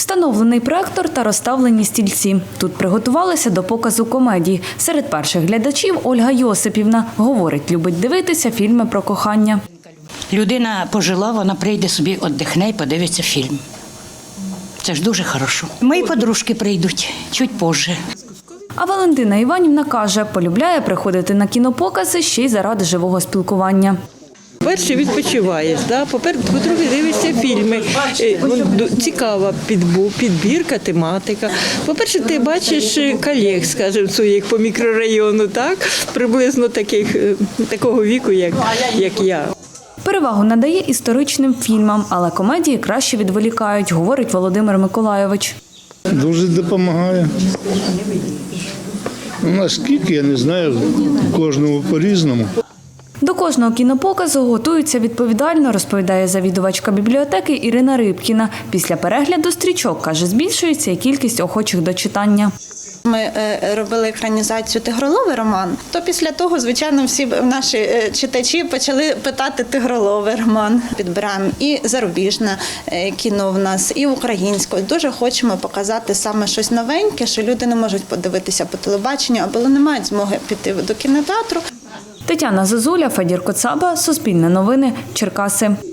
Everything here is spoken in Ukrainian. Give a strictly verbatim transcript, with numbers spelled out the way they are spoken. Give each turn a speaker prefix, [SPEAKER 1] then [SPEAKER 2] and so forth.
[SPEAKER 1] Встановлений проектор та розставлені стільці. Тут приготувалися до показу комедії. Серед перших глядачів Ольга Йосипівна. Говорить, любить дивитися фільми про кохання.
[SPEAKER 2] Людина пожила, вона прийде собі, віддихне і подивиться фільм. Це ж дуже хорошо. Мої подружки прийдуть чуть позже.
[SPEAKER 1] А Валентина Іванівна каже, полюбляє приходити на кінопокази ще й заради живого спілкування.
[SPEAKER 3] По-перше, відпочиваєш, да? по-друге, дивишся фільми, цікава підбірка, тематика. По-перше, ти бачиш колег, скажімо, своїх по мікрорайону, так? Приблизно таких, такого віку, як, як я.
[SPEAKER 1] Перевагу надає історичним фільмам, але комедії краще відволікають, говорить Володимир Миколайович.
[SPEAKER 4] Дуже допомагає. Наскільки, я не знаю, кожному по-різному.
[SPEAKER 1] До кожного кінопоказу готуються відповідально, розповідає завідувачка бібліотеки Ірина Рибкіна. Після перегляду стрічок, каже, збільшується і кількість охочих до читання.
[SPEAKER 5] Ми робили екранізацію «Тигроловий роман», то після того, звичайно, всі наші читачі почали питати «Тигроловий роман». Підбираємо і зарубіжне кіно в нас, і українське. Дуже хочемо показати саме щось новеньке, що люди не можуть подивитися по телебаченню, або не мають змоги піти до кінотеатру.
[SPEAKER 1] Тетяна Зозуля, Федір Коцаба, Суспільне новини, Черкаси.